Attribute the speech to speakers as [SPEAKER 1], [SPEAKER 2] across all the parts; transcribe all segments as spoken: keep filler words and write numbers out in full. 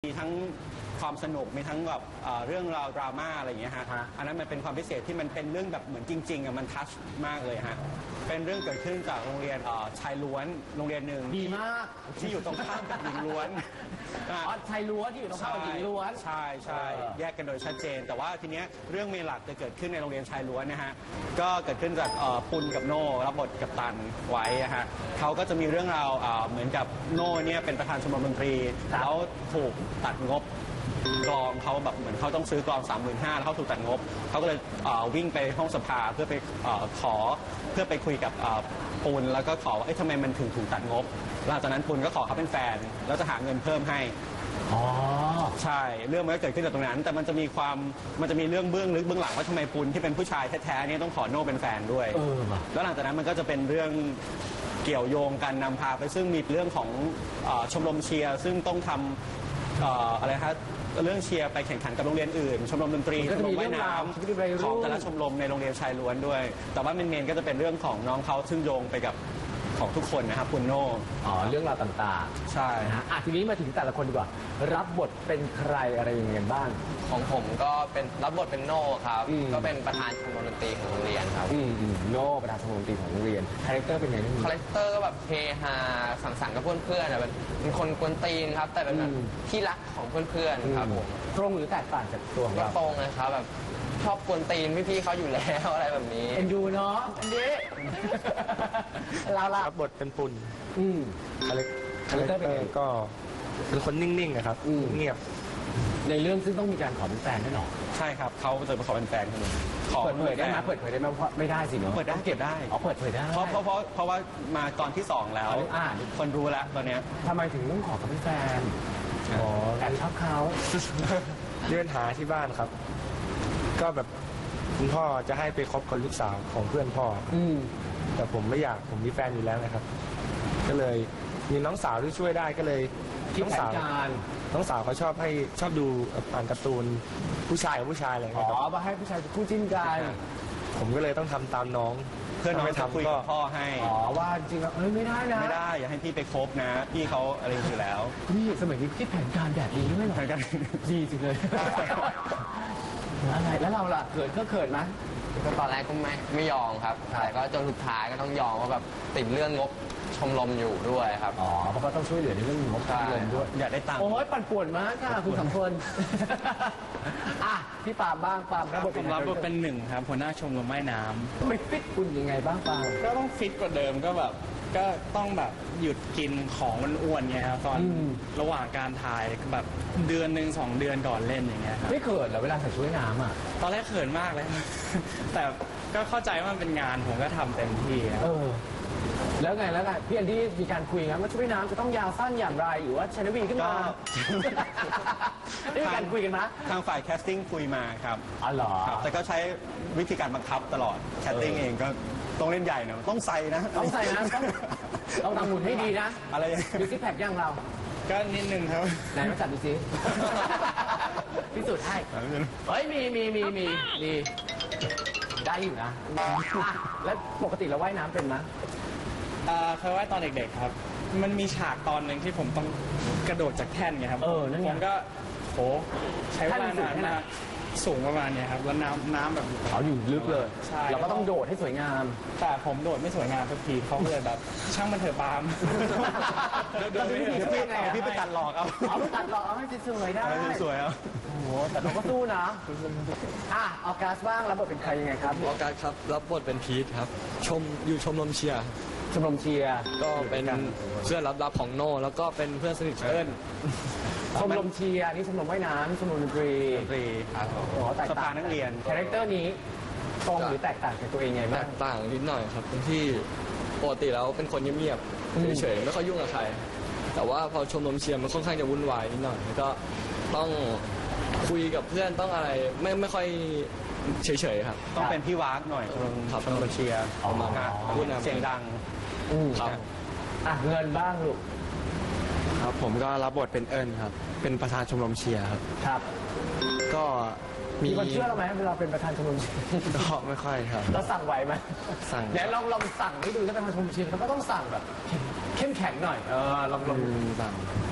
[SPEAKER 1] มีทั้งความสนุกมีทั้งแบบเรื่องราวดราม่าอะไรอย่างเงี้ยฮะอันนั้นมันเป็นความพิเศษที่มันเป็นเรื่องแบบเหมือนจริงๆอ่ะมันทัชมากเลยฮะเป็นเรื่องเกิดขึ้นจากโรงเรียนชายล้วนโรงเรียนหนึ่ง
[SPEAKER 2] ดีมาก
[SPEAKER 1] ที่อยู่ตรงข้ามกับหญิงล้วน
[SPEAKER 2] อ๋อชายล้วนที่อยู่ตรงข้ามกับหญิงล้วน
[SPEAKER 1] ใช่ใช่แยกกันโดยชัดเจนแต่ว่าทีเนี้ยเรื่องเมนหลักจะเกิดขึ้นในโรงเรียนชายล้วนนะฮะก็เกิดขึ้นจากปุณกับโน่รับบทกับตันไว้ฮะเขาก็จะมีเรื่องราวเหมือนกับโน่เนี่ยเป็นประธานชมรมดนตรีแล้วถูกตัดงบกลองเขาแบบเหมือนเขาต้องซื้อกลอง สามหมื่นห้าพัน แล้วเขาถูกตัดงบเขาก็เลยวิ่งไปห้องสภาเพื่อไปขอเพื่อไปคุยกับปุณแล้วก็ขอว่าทำไมมันถึงถูกตัดงบหลังจากนั้นปุณก็ขอเขาเป็นแฟนแล้วจะหาเงินเพิ่มให้
[SPEAKER 2] อ๋อ
[SPEAKER 1] ใช่เรื่องมันก็เกิดขึ้นจากตรงนั้นแต่มันจะมีความมันจะมีเรื่องเบื้องลึกเบื้องหลังว่าทำไมปุณที่เป็นผู้ชายแท้ๆนี่ต้องขอโน่เป็นแฟนด้วยแล้วหลังจากนั้นมันก็จะเป็นเรื่องเกี่ยวโยงกันนำพาไปซึ่งมีเรื่องของชมรมเชียร์ซึ่งต้องทำอะไรครับเรื่องเชียร์ไปแข่งขันกับโรงเรียนอื่นชมรมดนตรีชมรมว่ายน้ำของแต่ละชมรมในโรงเรียนชายล้วนด้วยแต่ว่าเมนๆก็จะเป็นเรื่องของน้องเขาซึ่งโยงไปกับของทุกคนนะครับคุณโน่
[SPEAKER 2] อ๋อเรื่องราวต่าง
[SPEAKER 1] ๆใช่
[SPEAKER 2] ฮะทีนี้มาถึงแต่ละคนดีกว่ารับบทเป็นใครอะไรอย่างเงี้ยบ้าง
[SPEAKER 3] ของผมก็เป็นรับบทเป็นโน่ครับก็เป็นประธานชมรมดนตรีของโรงเรียนครับ
[SPEAKER 2] โน่ประธานชมรมดนตรีของโรงเรียนคาแรคเตอร์เป็นไง
[SPEAKER 3] คาแรคเตอร์ก็แบบเฮฮาสังสรรค์กับเพื่อนๆเป็นคนกวนตีนครับแต่เป็นแบบที่รักของเพื่อนๆครับผม
[SPEAKER 2] ตรงหรือแตกต่างจากตัวของเรา
[SPEAKER 3] ตรงเลยครับแบบชอบกวนตีนพี่ๆเขาอยู่แล้วอะไรแบบนี้
[SPEAKER 2] เอ็นดูเนาะอันนี้เราละ
[SPEAKER 4] รับบทเป็นปุณ
[SPEAKER 2] อืม
[SPEAKER 4] คาแรคเตอร์ก็เป็นคนนิ่งๆนะครับเงียบ
[SPEAKER 2] ในเรื่องซึ่งต้องมีการขอเป็นแฟนแน่นอน
[SPEAKER 1] ใช่ครับเขาจะมาขอเป็นแฟนกัน
[SPEAKER 2] ขอเปิดเผยได้ไหมเปิดเผยได้ไหมไม่ได้สิเนาะ
[SPEAKER 1] เปิดได้เก็บได้
[SPEAKER 2] อ๋อเปิดเผยได้
[SPEAKER 1] เพราะเพราะเพราะเพราะว่ามาตอนที่สองแล้วคนรู้แล้วตอนนี้
[SPEAKER 2] ทำไมถึงต้องขอเขาเป็นแฟนอ๋อแอบชอบเขา
[SPEAKER 4] เลื่อนหาที่บ้านครับก็แบบคุณพ่อจะให้ไปคบกับลูกสาวของเพื่อนพ่อ
[SPEAKER 2] อืม
[SPEAKER 4] แต่ผมไม่อยากผมมีแฟนอยู่แล้วนะครับก็เลยมีน้องสาวที่ช่วยได้ก็เลย
[SPEAKER 2] น้องสาว
[SPEAKER 4] น้องสาวเขาชอบให้ชอบดูอ่านการ์ตูนผู้ชายกับผู้ชายอะไร
[SPEAKER 2] อ๋อมาให้ผู้ชายคู่จิ้นกัน
[SPEAKER 4] ผมก็เลยต้องทำตามน้อง
[SPEAKER 1] เพื่อนน้องจะคุยกับพ่อให้
[SPEAKER 2] อ๋อว่าจริงๆเอ้ยไม่ได้นะ
[SPEAKER 1] ไม่ได้อย่าให้พี่ไปคบนะพี่เขาอะไรอยู่แล้ว
[SPEAKER 2] นี่สมัยนี้คิดแผนการแบบนี้ด้วยเหรอ
[SPEAKER 1] แผนการ
[SPEAKER 2] ดีจริงเลยอะไรแล้วเราล่ะเขินก็เขินไหม
[SPEAKER 3] ก็ตอนแรกก็ไม่ไม่ยอมครับแต่ก็จนสุดท้ายก็ต้องยอมว่าแบบติดเรื่องงบชมรมอยู่ด้วยครับ
[SPEAKER 2] อ๋อเพราะก็ต้องช่วยเหลือในเรื่องงบชมรมด้วย
[SPEAKER 1] อยากได้ตังค์
[SPEAKER 2] โอ้ยปั่นป่วนมากค่ะคุณสองคนอ่ะพี่ปามบ้างปาม
[SPEAKER 5] รับบทผมรับบทเป็นหนึ่งครับหัวหน้าชมรมว่ายน้
[SPEAKER 2] ำไม่ฟิตคุณยังไงบ้างปาม
[SPEAKER 5] ก็ต้องฟิตกว่าเดิมก็แบบก็ต้องแบบหยุดกินของมันอ้วนไงครับตอนระหว่างการถ่ายแบบเดือนหนึ่งสองเดือนก่อนเล่นอย่างเงี้ยครับ
[SPEAKER 2] ไม่เขินเหรอเวลาใส่ชุดว่ายน้ำอ่ะ
[SPEAKER 5] ตอนแรกเขินมากเลยแต่ก็เข้าใจว่ามันเป็นงานผมก็ทำเต็มที่
[SPEAKER 2] เออแล้วไงแล้วไงพี่อันที่มีการคุยกันว่าชุดว่ายน้ำจะต้องยาวสั้นอย่างไรหรือว่าชนวีขึ้นมาได้มีการคุยกันไหม
[SPEAKER 1] ทางฝ่ายแคสติ้งคุยมาครับ
[SPEAKER 2] อ๋อเหรอ
[SPEAKER 1] แต่ก็ใช้วิธีการบังคับตลอดแคสติ้งเองก็ต้องเล่นใหญ่หน่อยต้องใส่นะ
[SPEAKER 2] ต้องใส่นะต้องต้องทำหุ่นให้ดีนะ
[SPEAKER 1] อะไร
[SPEAKER 2] ดูซิแพคย่างเรา
[SPEAKER 5] ก็นิดนึงครับ
[SPEAKER 2] ไหนมาจัดดูซิพิสูจน์ให้เฮ้ยมีมีมีมีมีได้อยู่นะแล้วปกติเราว่ายน้ำเป็นไหม
[SPEAKER 5] เคยว่ายตอนเด็กๆครับมันมีฉากตอนหนึ่งที่ผมต้องกระโดดจากแท่นไงครับ
[SPEAKER 2] เออนั่นไง
[SPEAKER 5] ผมก็โหใช้เวลานานมากสูงประมาณนี้ครับแล้วน้ำน้ำแบบ
[SPEAKER 2] เขาอยู่ลึกเลย
[SPEAKER 5] ใช่
[SPEAKER 2] เราก็ต้องโดดให้สวยงาม
[SPEAKER 5] แต่ผมโดดไม่สวยงามสักทีเขาก็เลยแบบช่างมันเถอะปาม
[SPEAKER 2] เดี๋ยวพี่ไง
[SPEAKER 1] พี่ไปตัดหลอกเอา
[SPEAKER 2] เอาไปตัดหลอกเอาให้สวยได้
[SPEAKER 1] สวยเอา
[SPEAKER 2] โอ้โหแต่เราก็สู้นะอ่ะออกัสบ้างรับบทเป็นใครยังไงครับ
[SPEAKER 4] ออกัสครับรับบทเป็นพีทครับชมอยู่ชมรมเชียร์
[SPEAKER 2] ชมรมเชียร์
[SPEAKER 4] ก็เป็นเพื่อนรับๆของโน่แล้วก็เป็นเพื่อนสนิทเอิญ
[SPEAKER 2] ชมรมเชียร์นี่ชมรมว่ายน้ำชมรมดนตรี
[SPEAKER 1] ดนตรี
[SPEAKER 2] โอ้แตกต่าง
[SPEAKER 1] นักเรียน
[SPEAKER 2] คาแรคเตอร์นี้ตรงหรือแตกต่างจากตัวเองไงบ้าง
[SPEAKER 4] แตกต่างนิดหน่อยครับที่ปกติแล้วเป็นคนเงียบๆเฉยๆไม่ค่อยยุ่งกับใครแต่ว่าพอชมรมเชียร์มันค่อนข้างจะวุ่นวายนิดหน่อยก็ต้องคุยกับเพื่อนต้องอะไรไม่ไม่ค่อยเฉยๆครับ
[SPEAKER 1] ต้องเป็นพี่วากหน่อยชมรมเชียร์
[SPEAKER 4] ออกมา
[SPEAKER 1] พูดเสียงดัง
[SPEAKER 2] ครับอ่ะเงินบ้างลูก
[SPEAKER 4] ครับผมก็รับบทเป็นเอิญครับเป็นประธานชมรมเชียร์ครับ
[SPEAKER 2] ครับ
[SPEAKER 4] ก็
[SPEAKER 2] มีคนเชื่อเราไหมเวลาเป็นประธานชมรมเชียร์
[SPEAKER 4] ก็ไม่ค่อยครับ
[SPEAKER 2] เราสั่งไหวไหม
[SPEAKER 4] สั่ง
[SPEAKER 2] เดี๋ยวลองลองสั่งให้ดูถ้าเป็นประธานชมรมเชียร์เขาก็ต้องสั่งแบบเข้มแข็งหน่อยเออลองลอง
[SPEAKER 4] สั่ง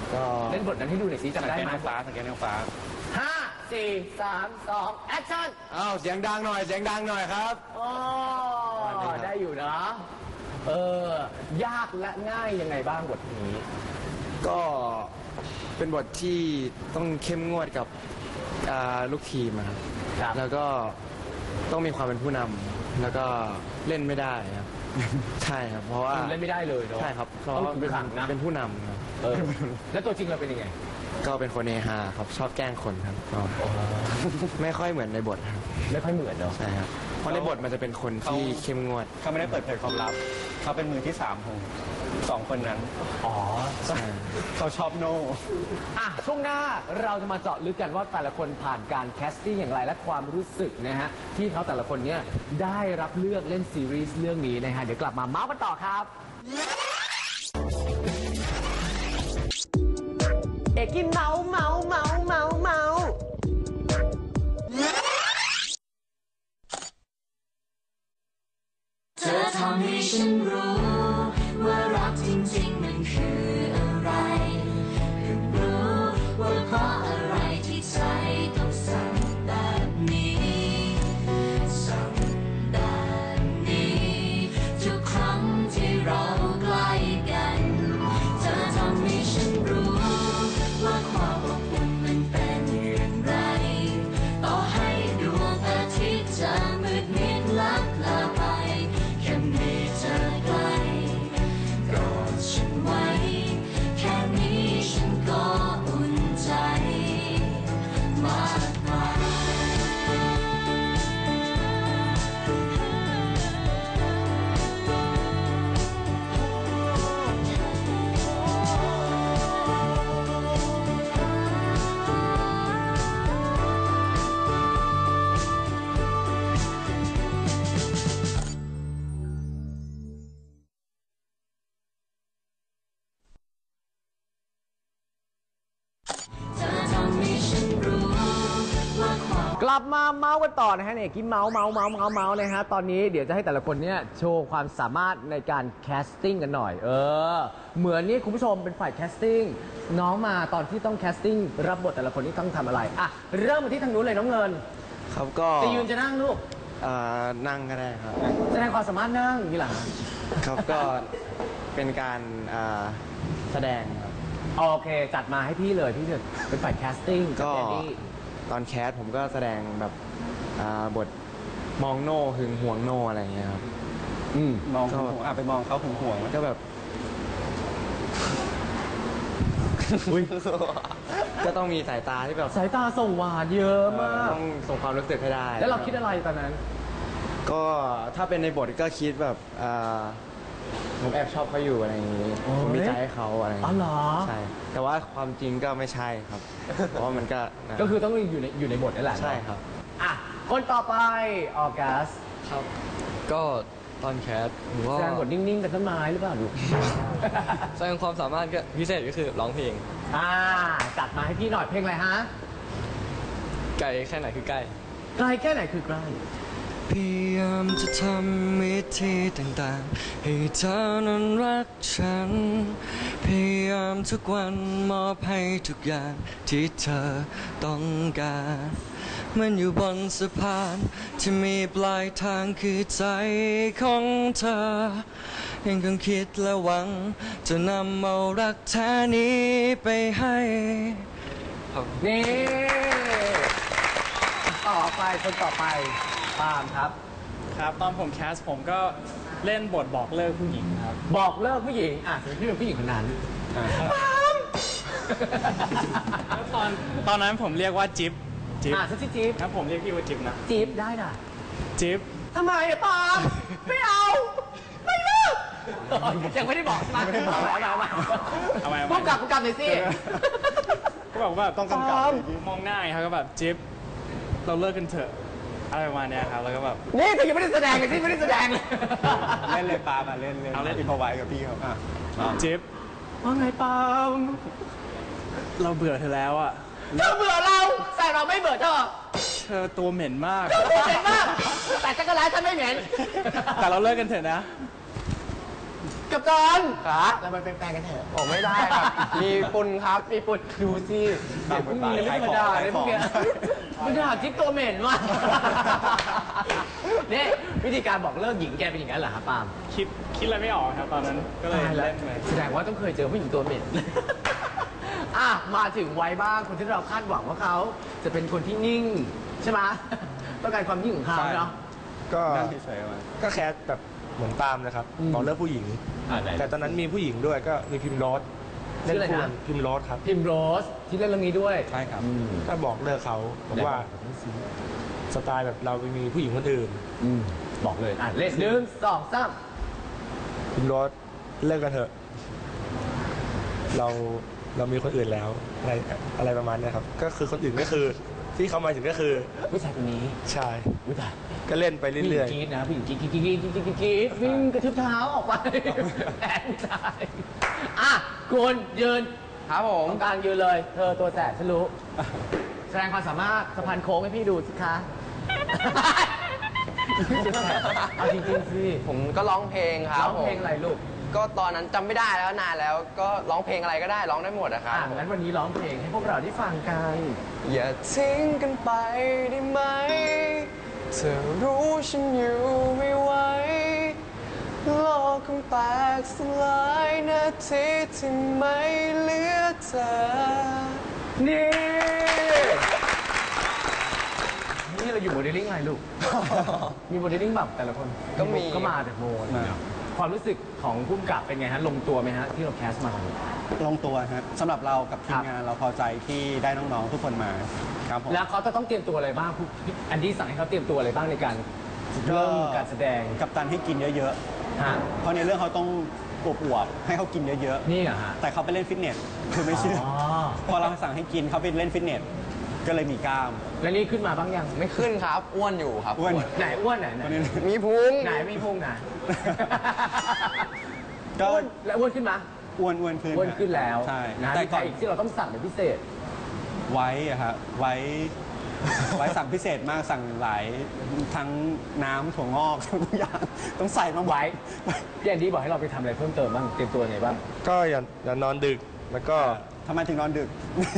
[SPEAKER 1] ก็
[SPEAKER 2] เล่นบทนั้นให้ดูหน่อยสิ
[SPEAKER 1] สัง
[SPEAKER 2] จำได้
[SPEAKER 1] เกต
[SPEAKER 2] ไหม
[SPEAKER 1] นางฟ้าสังเกตนางฟ้า
[SPEAKER 2] ห้าสี่สามสองแอคชั่น
[SPEAKER 1] อ้าวเสียงดังหน่อยเสียงดังหน่อยครับ
[SPEAKER 2] อ๋อได้อยู่นะ เออ ยากและง่ายยังไงบ้างบทนี้
[SPEAKER 6] ก็เป็นบทที่ต้องเข้มงวดกับอ่าลูกทีมอะครับ
[SPEAKER 2] ครับ
[SPEAKER 6] แล้วก็ต้องมีความเป็นผู้นำแล้วก็เล่นไม่ได้ครับ ใช่ครับ เพราะว่า
[SPEAKER 2] เล่นไม่ได้เลยเนาะ
[SPEAKER 6] ใช่ครับเพราะ
[SPEAKER 2] ต้อง
[SPEAKER 6] ว่า
[SPEAKER 2] คุมขังนะ
[SPEAKER 6] เป็นผู้นำครับ
[SPEAKER 2] เออ แล้วตัวจริงเราเป็นยังไง
[SPEAKER 6] ก็เป็นคนเฮฮาครับชอบแกล้งคนครับก็ไม่ค่อยเหมือนในบทครับ
[SPEAKER 2] ไม่ค่อยเหมือนเนาะ
[SPEAKER 6] ใช่ครับเพราะในบทมันจะเป็นคนที่เข้มงวด
[SPEAKER 1] เขาไม่ได้เปิดเผยความลับ เขาเป็นมือที่สามของสองคนนั้น
[SPEAKER 2] อ๋อ
[SPEAKER 6] ใช่
[SPEAKER 1] เขาชอบโน่
[SPEAKER 2] อ่ะช่วงหน้าเราจะมาเจาะลึกกันว่าแต่ละคนผ่านการแคสติ้งอย่างไรและความรู้สึกนะฮะที่เขาแต่ละคนเนี่ยได้รับเลือกเล่นซีรีส์เรื่องนี้นะฮะเดี๋ยวกลับมาเมาส์กันต่อครับ เอกกินเมาส์เมาส์เมาส์เมาส์เมาส์
[SPEAKER 7] เธอทำให้ฉันรู้ว่ารักจริงๆมันคืออะไรเพิ่งรู้ว่าเพราะอะไรที่ใจต้องสั่งแบบนี้สั่งแบบนี้ทุกครั้งที่เราใกล้กันเธอทำให้ฉันรู้ว่าความอบอุ่นมันเป็นอย่างไรต่อให้ดวงอาทิตย์จะมืดมิดลับลาไปแค่มีเธอใกล้กอดฉันไว้แค่นี้ฉันก็อุ่นใจมากมาย เธอทำให้ฉันรู้ว่าความ
[SPEAKER 2] กลับมาเมาส์กันต่อนะฮะเนี่ยกินเมาส์เมาส์เมาส์เมาส์เมาส์นะฮะตอนนี้เดี๋ยวจะให้แต่ละคนเนี่ยโชว์ความสามารถในการแคสติ้งกันหน่อย เออ เหมือนนี่คุณผู้ชมเป็นฝ่ายแคสติ้งน้องมาตอนที่ต้องแคสติ้งรับบทแต่ละคนนี่ต้องทำอะไรอ่ะเริ่มมาที่ทางนู้นเลยน้องเงิน
[SPEAKER 6] ครับก็
[SPEAKER 2] จะยืนจะนั่งลูก
[SPEAKER 6] อ่านั่งก็ได้ครับ
[SPEAKER 2] แสดงความสามารถนั่งอย่างนี่หรอ
[SPEAKER 6] ครับก็เป็นการอ่าแสดงครับ
[SPEAKER 2] โอเค จัดมาให้พี่เลยพี่จะเป็นฝ่ายแคสติ้ง
[SPEAKER 6] ก็
[SPEAKER 2] กับแดนนี่
[SPEAKER 6] ตอนแคสผมก็แสดงแบบอ่าบทมองโน่หึงหวงโน่อะไรอย่างเงี้ยครับ
[SPEAKER 2] อืม
[SPEAKER 1] มอง
[SPEAKER 6] ก็
[SPEAKER 1] ห่วงอ่ะไปมองเขาห่วงห่วง
[SPEAKER 6] ก็แบบ ก็ต้องมีสายตาที่แบบ
[SPEAKER 2] สายตาส่งหวานเยอะมาก
[SPEAKER 6] ต้องส่งความรู้สึกให้ได้
[SPEAKER 2] แล้วเราคิดอะไรตอนนั้น
[SPEAKER 6] ก็ถ้าเป็นในบทก็คิดแบบอ่าผมแอบชอบเขาอยู่อะไรอย่างงี้
[SPEAKER 2] โอ้ย
[SPEAKER 6] ผมมีใจให้เขาอะไรอย่าง
[SPEAKER 2] อ๋อ
[SPEAKER 6] งี้
[SPEAKER 2] เหรอ
[SPEAKER 6] ใช่ แต่ว่าความจริงก็ไม่ใช่ครับ เพราะว่ามันก็นะ
[SPEAKER 2] ก็คือต้องอยู่ในอยู่ในบทนั่นแหละเนอะ
[SPEAKER 6] ใช่ครับ
[SPEAKER 2] อ่ะ คนต่อไปออกัส
[SPEAKER 4] ครับ ก็ตอนแคสผมก็
[SPEAKER 2] แสดงบทนิ่งๆกับต้นไม้หรือเปล่าลูก
[SPEAKER 4] แสดงความสามารถก็พิเศษก็คือร้องเพลง
[SPEAKER 2] อ่า จัดมาให้พี่หน่อยเพลงอะไรฮะ
[SPEAKER 4] ไกลแค่ไหนคือใกล้
[SPEAKER 2] ไกลแค่ไหนคือใกล้
[SPEAKER 4] พยายามจะทำวิธีต่างๆ ให้เธอนั้นรักฉัน พยายามทุกวันมอบให้ทุกอย่างที่เธอต้องการมันอยู่บนสะพานที่มีปลายทางคือใจของเธอ ยังคงคิดและหวัง จะนำเอารักแท้นี้ไปให้ครับ
[SPEAKER 2] นี่ ต่อไปคนต่อไปปาล์มครับ
[SPEAKER 5] ครับตอนผมแคสผมก็เล่นบทบอกเลิกผู้หญิงครับ
[SPEAKER 2] บอกเลิกผู้หญิง อ่ะสมมติพี่เป็นผู้หญิงคนนั้น
[SPEAKER 5] แล้วตอนตอนนั้นผมเรียกว่าจิ๊บจิ๊บ
[SPEAKER 2] อ่ะฉันชื่อจี๊บ
[SPEAKER 5] ครับผมเรียกพี่ว่าจิ๊บนะ
[SPEAKER 2] จี๊บได้น่ะ
[SPEAKER 5] จิ๊บ
[SPEAKER 2] ทำไมอะปาล์มไม่เอา ไม่เลิกยังไม่ได้บอกใช่ไหมไม่ได้บอกเอาเอาเอา
[SPEAKER 5] เอาไว้เอา
[SPEAKER 2] พู
[SPEAKER 5] ไว้
[SPEAKER 2] ดกลับพูดกลับหน่อยสิ
[SPEAKER 5] ก็แบบว่า
[SPEAKER 1] ต้องกำกับ
[SPEAKER 5] ปาล์มมองหน้าไงครับก็แบบจิ๊บเราเลิกกันเถอะอะไรประมาณเนี้ยครับแล้วก็แบบ
[SPEAKER 2] นี่เธอยังไม่ได้แสดงเลยที่ไม่ได้แสดงเลย
[SPEAKER 1] เล่นเลยปามาเล่นเล่น
[SPEAKER 5] เอาเล่น
[SPEAKER 1] อินพอไว้กับพี่เขาอ่ะ
[SPEAKER 5] จิ๊บ
[SPEAKER 2] ว่าไงปาล์ม
[SPEAKER 5] เราเบื่อเธอแล้วอ่ะ
[SPEAKER 2] เธอเบื่อเรา แต่เราไม่เบื่อเธอ
[SPEAKER 5] เธอตัวเหม็นมาก
[SPEAKER 2] เธอเหม็นมาก แต่จักรร้ายฉันไม่เหม็น
[SPEAKER 5] แต่เราเลิกกันเถอะนะ
[SPEAKER 2] กับตัน
[SPEAKER 3] ครับ
[SPEAKER 2] เราไปเป็นแฟนกันเถอะ
[SPEAKER 3] ผมไม่ได้ครับ มีปุนครับ
[SPEAKER 2] มีปุดดูสิเด็กพวกนี้ไม่ธรรมดาเลยพวกเนี้ยมันหาจิ๊บตัวเหม็นมากนี่วิธีการบอกเลิกหญิงแกเป็นอย่างนั้นเหรอครับปาล์ม
[SPEAKER 5] คิดคิดอะไรไม่ออกครับตอนนั้นก็เลย
[SPEAKER 2] ตายแล้ว
[SPEAKER 5] เล่นไป
[SPEAKER 2] แสดงว่าต้องเคยเจอผู้หญิงตัวเหม็น อ่ะมาถึงวัยบ้างคนที่เราคาดหวังว่าเขาจะเป็นคนที่นิ่งใช่ไหมต้องการความนิ่งของเขาเนาะ
[SPEAKER 6] ก็
[SPEAKER 1] นั่งเฉยๆมา
[SPEAKER 6] ก็แคสแบบเหมือนตามนะครับ
[SPEAKER 2] อืม
[SPEAKER 6] บอกเลิกผู้หญิง
[SPEAKER 2] อ่าไหน
[SPEAKER 6] แต่ตอนนั้นมีผู้หญิงด้วยก็มีพิมพ์โรส
[SPEAKER 2] ชื่ออะไรนะ
[SPEAKER 6] คู่กัพิมพ์โรสครับ
[SPEAKER 2] พิมโรสที่เล่นเรื่องนี้ด้วย
[SPEAKER 1] ใช่ครับ
[SPEAKER 6] ก็บอกเลิกเขาบอกว่าสไตล์แบบเราไปมีผู้หญิงคนอื่น
[SPEAKER 2] อืมบอกเลยอ่ะเล่นหนึ่งสองสาม
[SPEAKER 6] พิมพ์โรสเลิกกันเถอะ เราเรามีคนอื่นแล้วอะไรอะไรประมาณเนี้ยครับ ก็คือคนอื่นก็คือ ที่เขาหมายถึงก็คือ
[SPEAKER 2] ผู้ชายคนนี้
[SPEAKER 6] ชาย
[SPEAKER 2] ผู้ชาย
[SPEAKER 6] ก็เล่นไป
[SPEAKER 2] ผู้หญิ
[SPEAKER 6] เรื่
[SPEAKER 2] ง
[SPEAKER 6] อย
[SPEAKER 2] กรีดนะผู้หญิงกรีดกรีดกรีดกรีดกรีดกรีดกรีดวิ่งกระทืบเท้าออกไปแอนผู้ชายอ่ะคุณยืน
[SPEAKER 3] ครับผม
[SPEAKER 2] ตรงกลางยืนเลย เธอตัวแสบฉันรู้ แสดงความสามารถสะพานโค้งให้พี่ดูสิคะ เอาจริงๆสิ
[SPEAKER 3] ผมก็ร้องเพลงครับ
[SPEAKER 2] ร้องเพลงอะไรลูก
[SPEAKER 3] ก็ตอนนั้นจำไม่ได้แล้วนานแล้ว ก็ร้องเพลงอะไรก็ได้ร้องได้หมดอะครับ
[SPEAKER 2] อ่ะงั้นวันนี้ร้องเพลงให้พวกเราได้ฟังกัน
[SPEAKER 3] อย่าทิ้งกันไปได้ไหม เธอรู้ฉันอยู่ไม่ไหวโลกคงแตกสลายนาทีที่ไม่เหลือเธอ
[SPEAKER 2] นี่ นี่เราอยู่โมเดลลิ่งอะไรลูก มีโมเดลลิ่งแบบแต่ละคน
[SPEAKER 3] ก็มี
[SPEAKER 2] ก็มาจากโมนะความรู้สึกของผู้กำกับเป็นไงฮะ ลงตัวไหมฮะ ที่เราแคสมา
[SPEAKER 1] ลงตัวฮะสำหรับเรากับที
[SPEAKER 2] ครั
[SPEAKER 1] ม
[SPEAKER 2] บ
[SPEAKER 1] งานเราพอใจที่ได้น้องๆทุกคนมาครับผม
[SPEAKER 2] แล้วเขาจะต้องเตรียมตัวอะไรบ้างผู้อันดี้สั่งให้เขาเตรียมตัวอะไรบ้างในการเริ่มการแสดง
[SPEAKER 1] กับตันให้กินเยอะ
[SPEAKER 2] ฮะ
[SPEAKER 1] ๆ เพราะในเรื่องเขาต้องอวบๆให้เขากินเยอะ
[SPEAKER 2] นี่เหรอฮะ
[SPEAKER 1] ๆ แต่เขาไปเล่นฟิตเนสคือไม่เชื่อ
[SPEAKER 2] อ๋อ
[SPEAKER 1] พอเราสั่งให้กินเขาไปเล่นฟิตเนสก็เลยมีกล้าม
[SPEAKER 2] แล้วนี่ขึ้นมาบ้างยัง
[SPEAKER 3] ไม่ขึ้นครับ อ้วนอยู่ครับ
[SPEAKER 1] อ้วน
[SPEAKER 2] ไหนอ้วนไหนไหน
[SPEAKER 1] คนนี้
[SPEAKER 3] มีพุง
[SPEAKER 2] ไหนไม่พุ่งไหน
[SPEAKER 1] ก็
[SPEAKER 2] อ้วนแล้วอ้วนขึ้นมา
[SPEAKER 1] อ้วนอ้วนขึ้น
[SPEAKER 2] อ้วนขึ้นแล้ว
[SPEAKER 1] ใช่
[SPEAKER 2] นะ
[SPEAKER 1] แต่
[SPEAKER 2] มีใค
[SPEAKER 1] ก่
[SPEAKER 2] ร
[SPEAKER 1] อน
[SPEAKER 2] อีกที่เราต้องสั่งเป็นพิเศษ
[SPEAKER 1] ไว้อะครับไว้ ไว้สั่งพิเศษมากสั่งหลายทั้งน้ำถั่วงอกทุกอย่างต้องใส่มาหมด
[SPEAKER 2] ไว้พี่แอนดี้บอกให้เราไปทำอะไรเพิ่มเติมบ้าง เตรียมตัวยังไงบ้าง
[SPEAKER 6] ๆ ก็อย่าอย่านอนดึก แล้วก็
[SPEAKER 1] ทำไมถึงนอนดึก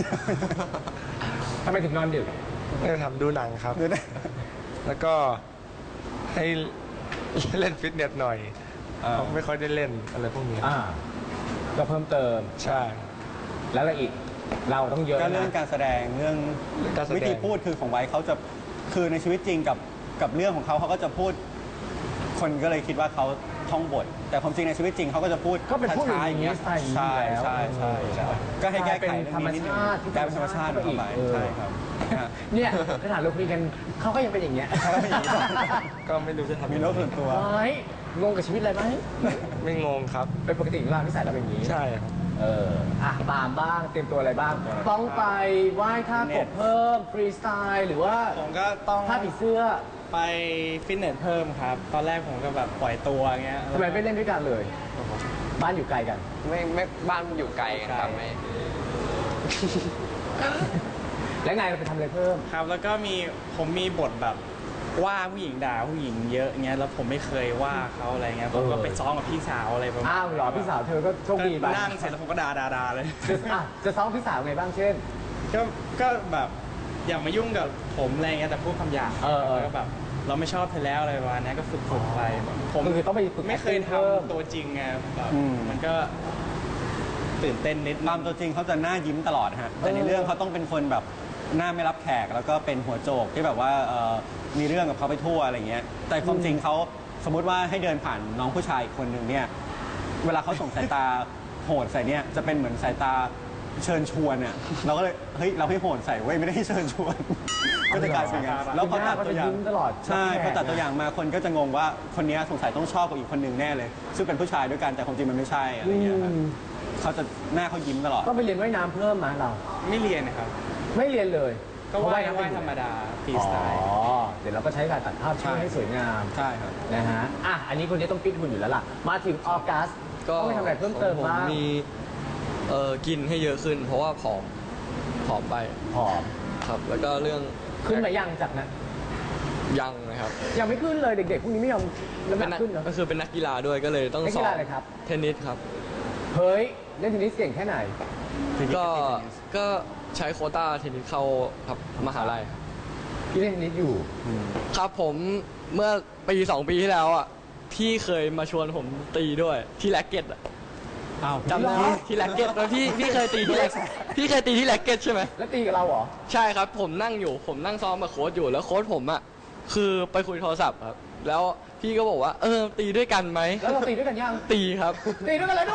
[SPEAKER 2] ทำไมถึงนอนดึก
[SPEAKER 6] ไม่ได้ทำดูหนังครับ
[SPEAKER 1] ดูได้
[SPEAKER 6] แล้วก็ให้เล่นฟิตเนสหน่อย
[SPEAKER 1] อ่า
[SPEAKER 6] เพราะไม่ค่อยได้เล่นอะไรพวกนี้
[SPEAKER 2] อ่า ก็เพิ่มเติม
[SPEAKER 6] ใช่
[SPEAKER 2] แล้วอะไรอีก เราต้องเยอะ
[SPEAKER 1] ก็เรื่อง
[SPEAKER 2] นะ
[SPEAKER 1] การแสดงเรื่อง
[SPEAKER 6] การแสดง
[SPEAKER 1] วิธีพูดคือของไว้เขาจะคือในชีวิตจริงกับกับเรื่องของเขาเขาก็จะพูด คนก็เลยคิดว่าเขาท่องบท แต่ความจริงในชีวิตจริงเขาก็จะพูด
[SPEAKER 2] ก็เป็นพูด
[SPEAKER 1] ช้าๆอย่างเงี้ย
[SPEAKER 2] อย่างนี้สไตล์อย่างนี้
[SPEAKER 1] ใช่
[SPEAKER 2] อยู่แล้ว
[SPEAKER 1] ใช่ใช่ใช่ก็ให้แก้ไข
[SPEAKER 2] กลายเป็นธรรม
[SPEAKER 1] เรื่องนี้นิดนึง
[SPEAKER 2] ชาติที่
[SPEAKER 1] กลายเป็นธรรมชาติ
[SPEAKER 2] ธรรมชาติ
[SPEAKER 1] เข้าไป
[SPEAKER 2] เออ
[SPEAKER 1] ใช่ครับฮะ
[SPEAKER 2] เนี่ยขนาดเราคุยกันเขาก็ยังเป็นอย่างเงี้ย
[SPEAKER 1] เขาก็เป็นอย่างนี้
[SPEAKER 6] ก็ไม่รู้จะทำ
[SPEAKER 1] มี
[SPEAKER 6] ยัง
[SPEAKER 1] โร
[SPEAKER 6] ไง
[SPEAKER 1] คส่วนตัว
[SPEAKER 2] เฮ้ยงงกับชีวิตอะไรไหม
[SPEAKER 6] ไม่งงครับ
[SPEAKER 2] เป็นปกติของเราที่ใส่เราเป็นอย่างนี้
[SPEAKER 6] ใช่ครับ
[SPEAKER 2] เออ อ่ะตามบ้าง เตรียมตัวอะไรบ้าง ต้องไปไหว้ท่ากบเพิ่ม ฟรีสไตล์หรือว่า
[SPEAKER 5] ผมก็ต้อง
[SPEAKER 2] ท่าผีเสื้อ
[SPEAKER 5] ไปฟิตเนสเพิ่มครับ ตอนแรกผมก็แบบปล่อยตัวเงี้ย
[SPEAKER 2] ทำไมไม่เล่นด้วยกันเลย บ้านอยู่ไกลกัน
[SPEAKER 3] ไม่ไม่บ้านอยู่ไกลกันครับไม่
[SPEAKER 2] แล้วไงเราไปทำอะไรเพิ่ม
[SPEAKER 5] ครับ แล้วก็มีผมมีบทแบบว่าผู้หญิงด่าผู้หญิงเยอะเงี้ย แล้วผมไม่เคยว่าเขาอะไรเงี้ย ผมก็
[SPEAKER 2] เออ
[SPEAKER 5] ไปซ้อมกับพี่สาวอะไรประมาณ
[SPEAKER 2] อ้าวเหรอพี่สาวเธอก็โชคดีไป
[SPEAKER 5] ก็นั่งเสร็จแล้วผมก็ด่าด่าด่าเลย
[SPEAKER 2] จะอ่ะจะซ้อมพี่สาวไงบ้างเช่น
[SPEAKER 5] ก็ก็แบบอย่ามายุ่งกับผมอะไรเงี้ยแต่พูดคำหยาบ
[SPEAKER 2] เออเออ
[SPEAKER 5] แล้วก็แบบเราไม่ชอบเธอแล้วอะไรประมาณนี้ก็ฝึกฝึกไปผม
[SPEAKER 2] ก็คือต้องไปฝึก
[SPEAKER 5] ไม่เคย
[SPEAKER 2] acting เพิ่ม
[SPEAKER 5] ทำตัวจริงไงแบบ
[SPEAKER 1] อืม
[SPEAKER 5] มันก็ตื่นเต้นนิดนึง
[SPEAKER 1] ตามตัวจริงเขาจะหน้ายิ้มตลอดฮะ แต่ในเรื่องเขาต้องเป็นคนแบบหน้าไม่รับแขก แล้วก็เป็นหัวโจกที่แบบว่าเอ่อมีเรื่องกับเขาไปทั่วอะไรเงี้ย แต่ความจริงเขาสมมุติว่าให้เดินผ่านน้องผู้ชายคนหนึ่งเนี่ย เวลาเขาส่งสายตาโหดใส่เนี่ยจะเป็นเหมือนสายตาเชิญชวนเนี่ยเราก็เลยเฮ้ยเราให้โหดใส่เว้ยไม่ได้ให้เชิญชวน ก็จะกลายเป็นอย่างนั้นแล้วพอตัดตัวอย่าง
[SPEAKER 2] เขาจะยิ้มตลอด
[SPEAKER 1] ใช่
[SPEAKER 2] รับแขก
[SPEAKER 1] พอตัดตัวอย่างมาคนก็จะงงว่าคนเนี้ยสงสัยต้องชอบกับอีกคนหนึ่งแน่เลย ซึ่งเป็นผู้ชายด้วยกันแต่ความจริงมันไม่ใช่อะไรเงี้ยครับเขาจะหน้าเขายิ้มตลอด
[SPEAKER 2] ต้องไปเรียนว่ายน้ำเพิ่มมาเรา
[SPEAKER 5] ไม่เรียนนะครับ
[SPEAKER 2] ไม่เรียนเลย
[SPEAKER 5] ก็
[SPEAKER 2] เพระ
[SPEAKER 5] ว่าย
[SPEAKER 2] น้ำ
[SPEAKER 5] ว่าย
[SPEAKER 2] เป็น
[SPEAKER 5] ธรรมดาฟรี
[SPEAKER 2] อ๋
[SPEAKER 5] สไตล์
[SPEAKER 2] อ เดี๋ยวเราก็ใช้การตัดภาพช่วยให้สวยงาม
[SPEAKER 1] ใช่ครับ
[SPEAKER 2] นะฮะ อ่ะ อันนี้คนนี้ต้องฟิตหุ่นอยู่แล้วล่ะ มาถึงออกัส
[SPEAKER 4] ก็
[SPEAKER 2] ต้องไปทำอะไรเพิ่มเติม
[SPEAKER 4] ของผ
[SPEAKER 2] บ้าง
[SPEAKER 4] มีเอ่อกินให้เยอะขึ้น เพราะว่าผอมผอมไป
[SPEAKER 2] ผอม
[SPEAKER 4] ครับ แล้วก็เรื่อง
[SPEAKER 2] ขึ้นมายังจากนั้น
[SPEAKER 4] ยังนะครับ
[SPEAKER 2] ยังไม่ขึ้นเลยเด็กๆพวกนี้ไม่ยอมน้ำห
[SPEAKER 4] เป็น
[SPEAKER 2] นั
[SPEAKER 4] นั
[SPEAKER 2] ก
[SPEAKER 4] ก
[SPEAKER 2] ขึ้นเนอะ
[SPEAKER 4] ก็คือเป็นนักกีฬาด้วยก็เลยต้อง
[SPEAKER 2] นัก
[SPEAKER 4] ส
[SPEAKER 2] กี
[SPEAKER 4] อ
[SPEAKER 2] ฬา
[SPEAKER 4] บ
[SPEAKER 2] อะไรครับ
[SPEAKER 4] เทนนิสครับ
[SPEAKER 2] เฮ้ยเล่นเทนนิสเก่งแค่ไหน
[SPEAKER 4] ก็ก็ใช้โควต้าเทนนิสเข้าครับมหาลัย
[SPEAKER 2] พี่เล่นเทนนิสอยู่
[SPEAKER 4] ครับผมเมื่อปีสองปีที่แล้วอ่ะพี่เคยมาชวนผมตีด้วยที่แร็กเก็ตอ่ะ
[SPEAKER 1] อ้าว
[SPEAKER 4] จำได้ไหมที่แร็กเก็ตแล้วพี่พี่เคยตีที่แร็กพี่เคยตีที่แร็กเก็ตใช่ไหม
[SPEAKER 2] แล้วตีกับเราเหรอ
[SPEAKER 4] ใช่ครับผมนั่งอยู่ผมนั่งซ้อมกับโค้ชอยู่แล้วโค้ชผมอ่ะคือไปคุยโทรศัพท์ครับแล้วพี่ก็บอกว่าเออตีด้วยกันไหม
[SPEAKER 2] แล้วเราตีด้วยกันยัง
[SPEAKER 4] ตีครับ
[SPEAKER 2] ตีด้วยกันเลยด้วย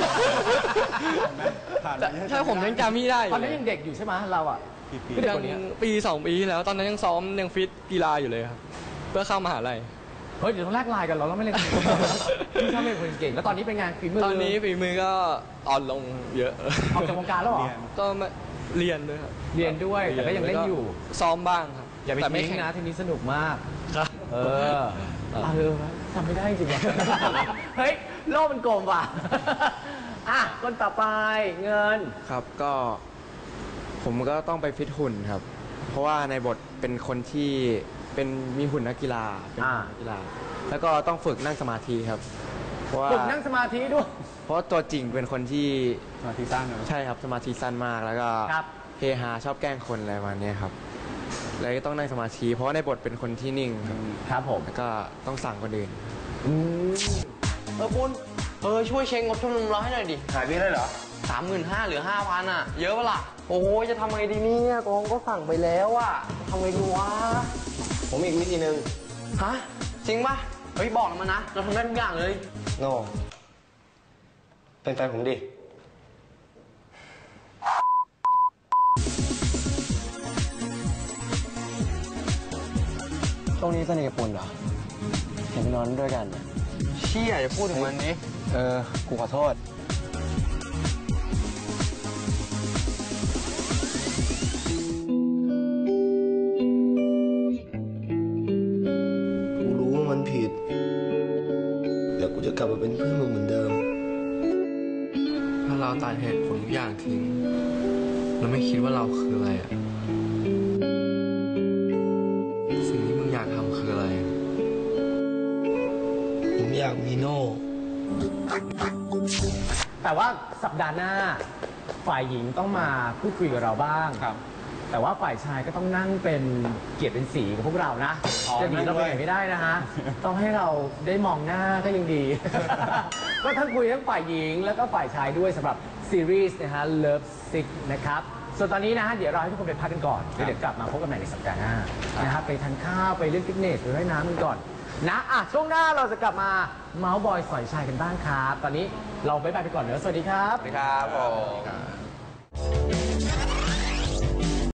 [SPEAKER 1] ผ่าน
[SPEAKER 4] แต่ใช่ผมยังจำพี่ได้อยู่
[SPEAKER 2] ตอนนั้นยังเด็กอยู่ใช่ไหมเราอ่ะ
[SPEAKER 1] กี่ปี
[SPEAKER 2] พี่เด็ก
[SPEAKER 4] ยั
[SPEAKER 2] คนเนี้ย
[SPEAKER 4] ปีสองปีที่แล้ว ตอนนั้นยังซ้อมยังฟิตกีฬาอยู่เลยครับเพื่อเข้ามหาลัย
[SPEAKER 2] เฮ้ยเดี๋ยวต้องแลกไลน์กันเราเราไม่เล่นพี่ชอบเป็นคนเก่งแล้วตอนนี้เป็นไงฝีมือ
[SPEAKER 4] ตอนนี้ฝีมือก็อ่อนลงเยอะ
[SPEAKER 2] ออกจากวงการแล้วเหรอ
[SPEAKER 1] เรียน
[SPEAKER 4] ก็ไม่เรียนด้วยครับ
[SPEAKER 2] เรียนด้วยแต่ก็ยังเล่นอยู่
[SPEAKER 4] ซ้อมบ้างครับ
[SPEAKER 2] อย่าไป
[SPEAKER 4] แต่ไม่
[SPEAKER 2] ทิ้ง
[SPEAKER 4] แข่ง
[SPEAKER 2] นะเทนนิสสนุกมาก
[SPEAKER 4] ครับ
[SPEAKER 2] เออเออทำไม่ได้จริงว่ะ เฮ้ย โลกมันโกงว่ะ อ่ะ คนต่อไปเงิน
[SPEAKER 3] ครับก็ผมก็ต้องไปฟิตหุ่นครับ เพราะว่าในบทเป็นคนที่เป็นมีหุ่นนักกีฬาเป็น
[SPEAKER 2] อ่า
[SPEAKER 3] นักกีฬา แล้วก็ต้องฝึกนั่งสมาธิครับ เพราะว่า
[SPEAKER 2] ฝึกนั่งสมาธิด้วย
[SPEAKER 3] เพราะว่าตัวจริงเป็นคนที่
[SPEAKER 1] สมาธิสั้นเนอะ
[SPEAKER 3] ใช่ครับสมาธิสั้นมากแล้วก็
[SPEAKER 2] ครับ
[SPEAKER 3] เฮฮาชอบแกล้งคนอะไรประมาณเนี้ยครับเลยก็ต้องนั่งสมาธิเพราะว่าในบทเป็นคนที่นิ่งครับ
[SPEAKER 2] ครับผม
[SPEAKER 3] แล้วก็ต้องสั่งคนอื่น
[SPEAKER 2] อืม
[SPEAKER 8] เออคุณเออช่วยเช็คงบชมรมเราให้หน่อยดิหายไปเลยเหรอสามหมื่นห้าเหลือห้าพันอ่ะ เยอะปะล่ะ โอ้ยจะทำไงดีเนี่ยกองก็สั่งไปแล้วอ่ะทำไงดีวะ ผมมีอีกวิธีหนึ่งฮะ จริงปะเฮ้ย บอกเรามานะ เราทำได้ทุกอย่างเลย
[SPEAKER 9] โน่เป็นแฟนผมดิ ช่วงนี้สนิทกับปุ่นเหรอ เห็นไปนอนด้วยกัน
[SPEAKER 8] เชี่ยอย่าพูดถึงมันนี้
[SPEAKER 9] เออ กูขอโทษ กูรู้ว่ามันผิด แต่กูจะกลับมาเป็นเพื่อนมึงเหมือนเดิม
[SPEAKER 10] ถ้าเราตัดเหตุผลทุกอย่างทิ้ง เราไม่คิดว่าเราคืออะไรอะสิ่งที่มึงอยากทำคืออะไร
[SPEAKER 9] ผมอยากมีโน่
[SPEAKER 2] แต่ว่าสัปดาห์หน้า ฝ่ายหญิงต้องมาพูดคุยกับเราบ้าง
[SPEAKER 1] ครับ
[SPEAKER 2] แต่ว่าฝ่ายชายก็ต้องนั่งเป็นเกียรติเป็นสีกับพวกเรานะ
[SPEAKER 1] อ๋อ
[SPEAKER 2] จะหนีเราไป
[SPEAKER 1] นั่งด้วย
[SPEAKER 2] ไหนไม่ได้นะฮะ ต้องให้เราได้มองหน้าก็ยังดี ก็ทั้งคุยทั้งฝ่ายหญิงแล้วก็ฝ่ายชายด้วยสำหรับซีรีส์นะฮะ Love Sick นะครับ ส่วนตอนนี้นะฮะเดี๋ยวเราให้ทุกคนไปพักกันก่อนแล้วเดี๋ยวกลับมาพบกันใหม่ในสัปดาห์หน้านะครับไปทานข้าวไปเล่นฟิตเนสไปว่ายน้ำกันก่อนนะอ่ะช่วงหน้าเราจะกลับมาเมาส์บอยสอยชายกันบ้างครับ ตอนนี้เราบ๊ายบายไปก่อนเนอะสวัสดีครับ
[SPEAKER 8] สวัสดีครับผม